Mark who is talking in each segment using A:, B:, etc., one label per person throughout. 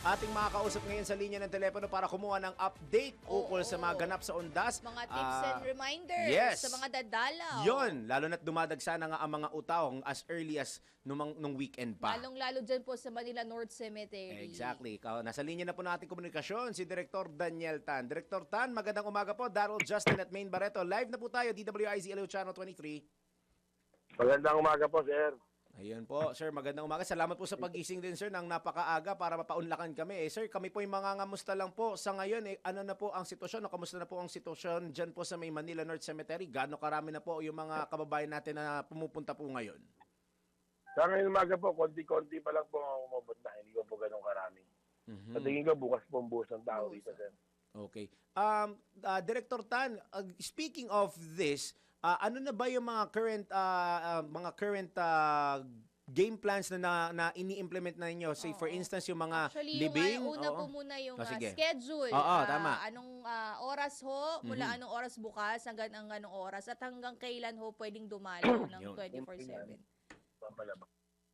A: ating makakausap ngayon sa linya ng telepono para kumuha ng update ukol sa mga ganap sa Undas.
B: Mga tips and reminders
A: yes.
B: sa mga dadalaw.
A: Yon, lalo na't dumadagsa na nga ang mga utaw as early as nung weekend pa.
B: Lalong-lalo dyan po sa Manila North Cemetery.
A: Exactly. Nasa linya na po nating komunikasyon si Director Daniel Tan. Director Tan, magandang umaga po. Darrell Justin at Maine Barreto. Live na po tayo, DWIZ LU Channel 23.
C: Magandang umaga po, sir.
A: Ayun po, sir. Magandang umaga. Salamat po sa pagising din, sir, ng napakaaga para mapaunlakan kami. Sir, kami po yung mga ngamusta lang po. Sa ngayon, ano na po ang sitwasyon? O kamusta na po ang sitwasyon dyan po sa may Manila North Cemetery? Gaano karami na po yung mga kababayan natin na pumupunta po ngayon?
C: Sa ngayon umaga po, konti-konti pa lang po ang umabot na. Hindi ko po ganun karami. Sa tingin ko, bukas po ang buhos ng tao dito, sir.
A: Okay. Director Tan, speaking of this, ano na ba yung mga current game plans na ini-implement na ninyo? Say for instance yung mga
B: Actually,
A: libing.
B: yung una po muna yung
A: sige.
B: schedule.
A: Oo, tama.
B: Anong oras ho, mula anong oras bukas hanggang anong oras at hanggang kailan ho pwedeng dumalo ng
A: Yun.
B: 24/7.
C: Pampalabas.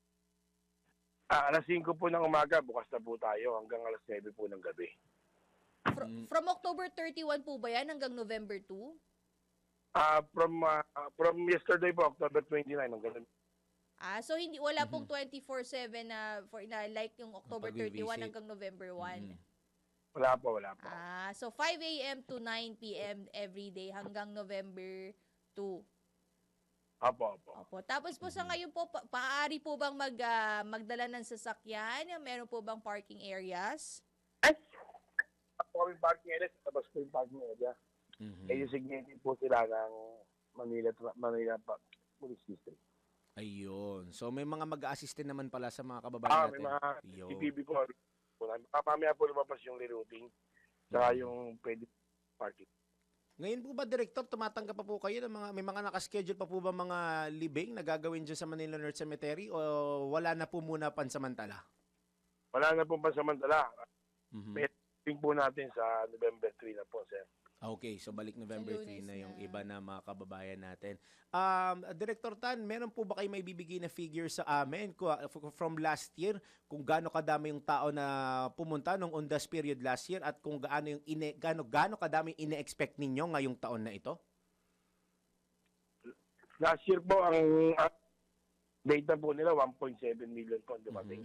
C: Alas 5 po ng umaga, bukas na po tayo hanggang alas 9 po ng gabi.
B: From October 31 po ba yan hanggang November 2?
C: From yesterday po, October 29 hanggang
B: So hindi wala pong 24/7 na like yung October 31
A: pag-visit.
B: hanggang November 1.
C: wala po.
B: So 5 a.m. to 9 p.m. every day hanggang November 2.
C: Opo.
B: Opo. Tapos po sa ngayon po, maaari po bang magdala ng sasakyan? Meron po bang parking areas?
C: Ako kami parking area, tapos po yung parking area. Designated po sila ng Manila Police District.
A: Ayun. So may mga mag-a-assist naman pala sa mga kababayan
C: May
A: natin.
C: mga
A: Ayun.
C: CCTV po. Mamaya po lumabas yung rerouting, saka yung pwede parking.
A: Ngayon po ba, Director, tumatanggap pa po kayo ng may mga nakaschedule pa po ba mga libing na gagawin dyan sa Manila North Cemetery o wala na po muna pansamantala?
C: Wala na pong pansamantala. May meeting po natin sa November 3 na po, sir.
A: Okay, so balik November 3 na yung
B: na.
A: iba na mga kababayan natin. Director Tan, meron po ba kayo may bibigay na figure sa amin from last year kung gaano kadami yung tao na pumunta nung Undas period last year at kung gaano kadami ine-expect ninyo ngayong taon na ito?
C: Last year po, ang data po nila, 1.7 million po ang dumating.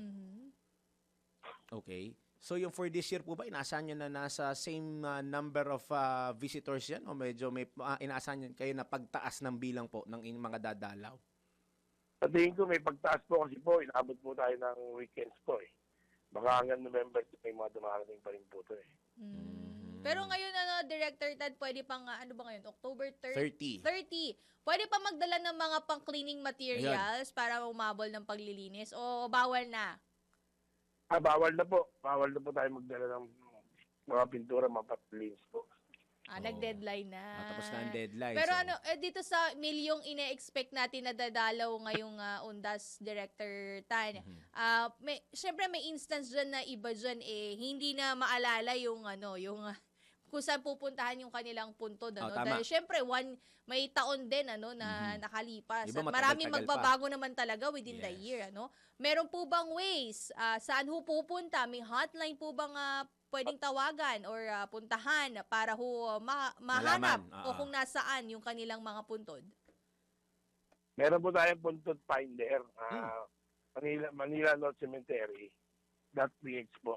A: Okay. So yung for this year po ba, inaasahan nyo na nasa same number of visitors yan? O medyo may inaasahan nyo kayo na pagtaas ng bilang po ng mga dadalaw?
C: Sa tingin ko, may pagtaas po kasi po, inabot po tayo ng weekends po eh. Baka hanggang November 2, may mga dumarating pa rin po ito eh.
B: Pero ngayon, Director Tad, pwede pang, ano ba ngayon? October
A: 30.
B: 30. Pwede pa magdala ng mga pang-cleaning materials para umabol ng paglilinis o bawal na?
C: Bawal na po. Bawal na po tayo magdala ng mga pintura, mga patlins po.
B: Nag-deadline na.
A: Tapos na ang deadline.
B: Pero
A: so,
B: dito sa milyong ine-expect natin na dadalaw ngayong Undas, Director Tan, syempre may instance dyan na iba dyan hindi na maalala yung kung saan pupuntahan yung kanilang puntod.
A: tama.
B: Dahil syempre, may taon din na nakalipas.
A: Iba
B: At
A: matagal-tagal
B: maraming
A: pa.
B: magbabago naman talaga within the
A: Yes.
B: year. Meron po bang ways? Saan ho pupunta? May hotline po bang pwedeng tawagan or puntahan para mahanap
A: Malaman.
B: o kung nasaan yung kanilang mga puntod?
C: Meron po tayong puntod finder. Manila North Cemetery. .ph po.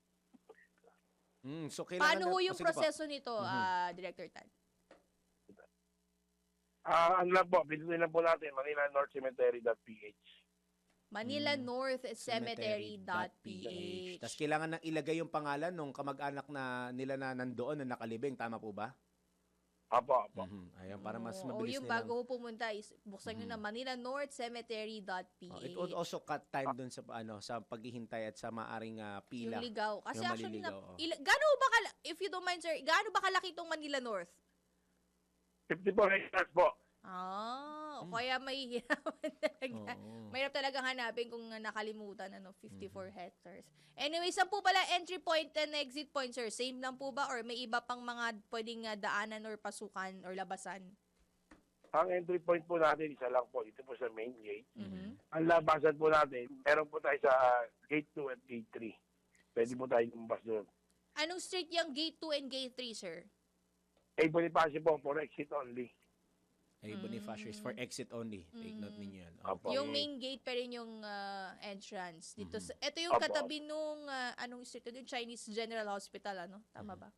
A: so kailangan
B: Paano ho yung
A: sige po.
B: proseso nito, Director Tan?
C: Ano lang po, pindutin lang po natin, Manila North Cemetery.ph.
B: Manila North Cemetery.ph.
A: Tapos kailangan nang ilagay yung pangalan ng kamag-anak nila na nandoon na nakalibing. Tama po ba?
C: Apo.
A: Ayun, para mas
B: O
A: mabilis
B: yung
A: nilang.
B: bago ho pumunta, buksan nyo na Manila North Cemetery.ph.
A: It would also cut time dun sa sa paghihintay at sa maaring pila.
B: Yung ligaw. Kasi
A: Yung
B: actually,
A: maliligaw,
B: if you don't mind, sir, gaano ba kalaki itong Manila North?
C: 54 hectares po.
B: Kaya mahihirapan talaga.
A: Oo.
B: Mahirap talaga hanapin kung nakalimutan, 54 hectares. Anyway, saan po pala entry point and exit point, sir? Same lang po ba? Or may iba pang mga pwedeng daanan or pasukan or labasan?
C: Ang entry point po natin, isa lang po, dito po sa main gate. Ang labasan po natin, meron po tayo sa gate 2 at gate 3. pwede po tayo lumabas doon.
B: Anong street yung gate 2 and gate 3, sir?
C: Bonifacio po, for exit only.
A: Bonifacio is for exit only. Take note ninyo yan.
C: Opo.
B: Yung main gate pa rin yung entrance dito. Ito yung
C: Opo.
B: katabi nung anong street yung Chinese General Hospital, ano? Tama ba?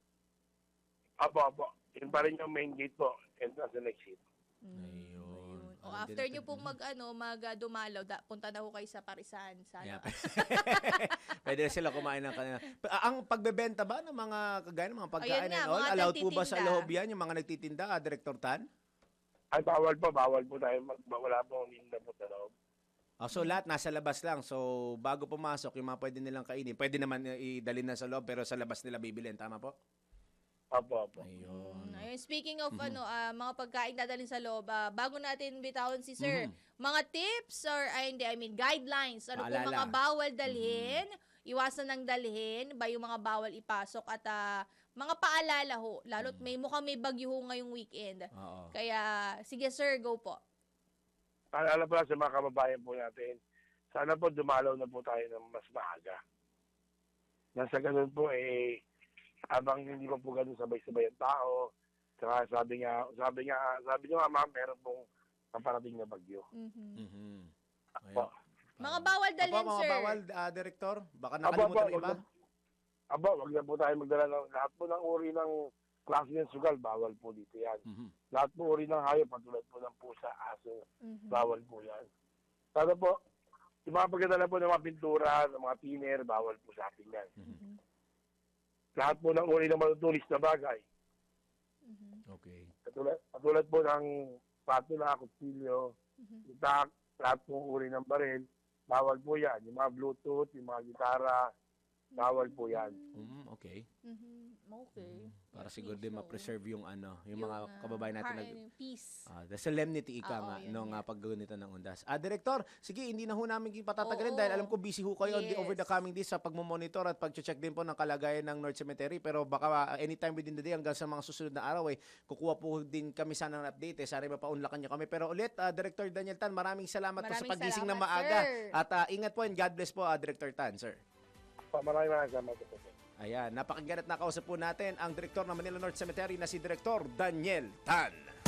C: Apo. Yun pa rin yung main gate po, entrance and exit.
A: Ayun.
B: O after nyo pong dumalaw, punta na ho kayo sa Parisan. Sana.
A: Yeah. Pwede na sila kumain ng kanila. Ang pagbebenta ba ng mga kagaya ng mga pagkain
B: Ayun nga,
A: and all,
B: mga
A: allowed po ba sa
B: nagtitinda?
A: loob yan, yung mga nagtitinda, Director Tan?
C: Ay, bawal po tayo. Wala po ang linda po sa loob.
A: So lahat nasa labas lang. So bago pumasok, yung mga pwede nilang kainin, pwede naman idalhin na sa loob, pero sa labas nila bibilin. Tama po?
C: Apo.
A: Ayun.
B: Ayun, speaking of mga pagkain dadalhin sa loob, bago natin bitawan si Sir, mga tips or guidelines, ano po
A: Paalala.
B: mga bawal dalhin, iwasan ng dalhin, ba yung mga bawal ipasok at mga paalala ho, lalo't mukhang may bagyo ho ngayong weekend.
A: Oo.
B: Kaya, sige sir, go po.
C: Paalala po lang sa mga kababayan po natin, sana po dumalaw na po tayo ng mas maaga. Nasa ganun po, habang hindi pa po ganun sabay-sabay ang tao, saka sabi nyo nga ma'am, meron pong paparating na bagyo.
A: Mhm.
C: Apo.
B: Mga bawal dalhin,
A: Mga
B: sir.
A: bawal, Director? Baka nakalimutan ng iba?
C: Wag na po tayo magdala ng lahat po ng uri ng klase ng sugal, bawal po dito yan. Lahat po uri ng hayop, patulad po ng pusa, aso, bawal po yan. Sana po, yung mga pagdadala po ng mga pintura, ng mga thinner, bawal po sa atin yan. Lahat po ng uri ng matutulis na bagay.
A: Okay.
C: Katulad po ng spatula, kutsilyo, itak, lahat po uri ng baril, bawal po yan. Yung mga Bluetooth, yung mga gitara, bawal po yan.
A: Okay.
B: Okay.
A: Para siguro din ma-preserve yung mga kababayan natin
B: peace.
A: the solemnity ika nga
B: yun
A: nung
B: nga.
A: paggunita ng undas. Director, sige, hindi na ho namin patatagalin
B: Oo.
A: dahil alam ko busy ho kayo
B: Yes.
A: over the coming days sa pagmomonitor at pag-check din po ng kalagayan ng North Cemetery, pero baka anytime within the day hanggang sa mga susunod na araw kukuha po din kami sana ng update. Sana mapaunlakan niyo kami. Pero ulit, Director Daniel Tan, maraming salamat po sa
B: Maraming
A: pagising na
B: salamat,
A: maaga.
B: sir.
A: At ingat po and God bless po, Director Tan, sir.
C: Maraming salamat po.
A: Ayan, napakinggan at nakausap po natin ang Direktor ng Manila North Cemetery na si Direktor Daniel Tan.